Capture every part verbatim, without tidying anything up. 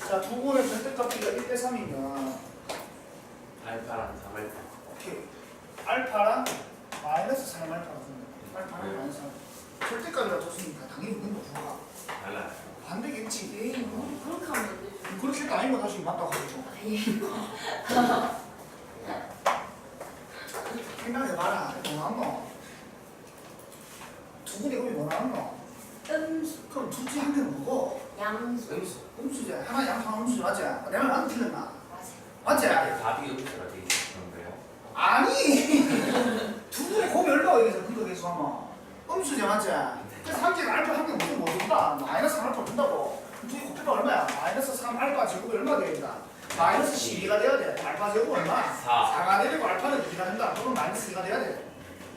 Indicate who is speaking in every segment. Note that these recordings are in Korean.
Speaker 1: 자, 두 분의 절대값비가 일 대 삼이면
Speaker 2: 알파랑 삼 알파.
Speaker 1: 오케이. 알파랑 마이너스 삼 알파가 줍니다. 알파랑
Speaker 2: 네.
Speaker 1: 마이너스 삼. 절대값이라 줬으니까 당연히 이건 부가
Speaker 2: 달라요.
Speaker 1: 반대겠지.
Speaker 3: 에이 뭐 그렇게 하면 안 되죠.
Speaker 1: 그렇게 했다 아니면 다시 맞다고 하겠죠.
Speaker 3: 아예
Speaker 1: 생각해봐라. 뭐 나왔노? 두 분의 음이 뭐 나왔노?
Speaker 3: 음수
Speaker 1: 그럼 둘 중에 한 개는 뭐고?
Speaker 3: 양수
Speaker 2: 음수.
Speaker 1: 음수지. 하나 양, 하나 음수지. 맞지? 내 말 안 틀렸나?
Speaker 3: 맞아.
Speaker 1: 맞지?
Speaker 2: 답이 음수가 돼 있는 거예요?
Speaker 1: 아니! 두 분의 곱이 얼마가 여기서 근거 계수하면 음수지. 맞지? 그래서 한 개가 알파 한 개는 무슨 뭐 준다? 마이너스 삼 알파 준다고. 둘이 곱해봐 얼마야? 마이너스 삼 알파 제곱이 얼마 돼야 된다? 마이너스 십이가 돼야 돼. 알파 제곱 얼마?
Speaker 2: 사.
Speaker 1: 사가 되고 알파는 이가 된다. 그러면 마이너스 이가 돼야 돼.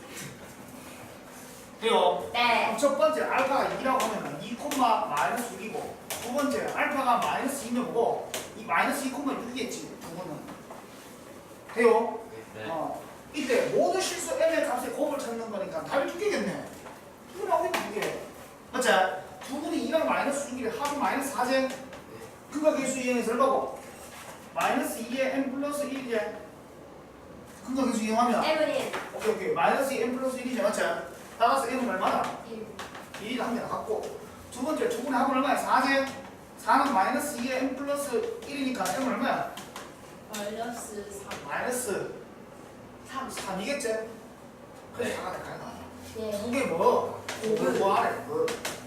Speaker 1: 돼요?
Speaker 3: 네.
Speaker 1: 그럼 첫 번째 알파가 이라고 하면 이 콤마 마이너스 육이고 두 번째 알파가 마이너스 이면 뭐고 이 마이너스 이 콤마 육이겠지 두 번은. 돼요?
Speaker 2: 네.
Speaker 1: 어. 이때 모든 실수 m의 값의 곱을 찾는 거니까 답이 두 개겠네. 두 개 나오겠네 두 개. 맞지? 두 분이 이랑 마이너스 육이래 합이 마이너스 사제. 근거 계수 이행해서 얼마고? 마이너스 이에 m 플러스 일이제. 근거 계수 이용하면
Speaker 3: 에브린
Speaker 1: 오케이 오케이 마이너스 이 m 플러스 일이제 맞지? 따라서 m은 얼마나?
Speaker 3: 일
Speaker 1: 일이 한 개 나갔고 두 번째 두 분의 합은 얼마야? 사제. 사는 마이너스 이에 m 플러스 일이니까 m은 얼마야?
Speaker 3: 마이너스 삼
Speaker 1: 마이너스
Speaker 3: 삼
Speaker 1: 삼이겠지? 그래서
Speaker 2: 네.
Speaker 1: 사가 될까요?
Speaker 3: 네.
Speaker 1: 두개 뭐? 곱을 뭐 하래? 뭐?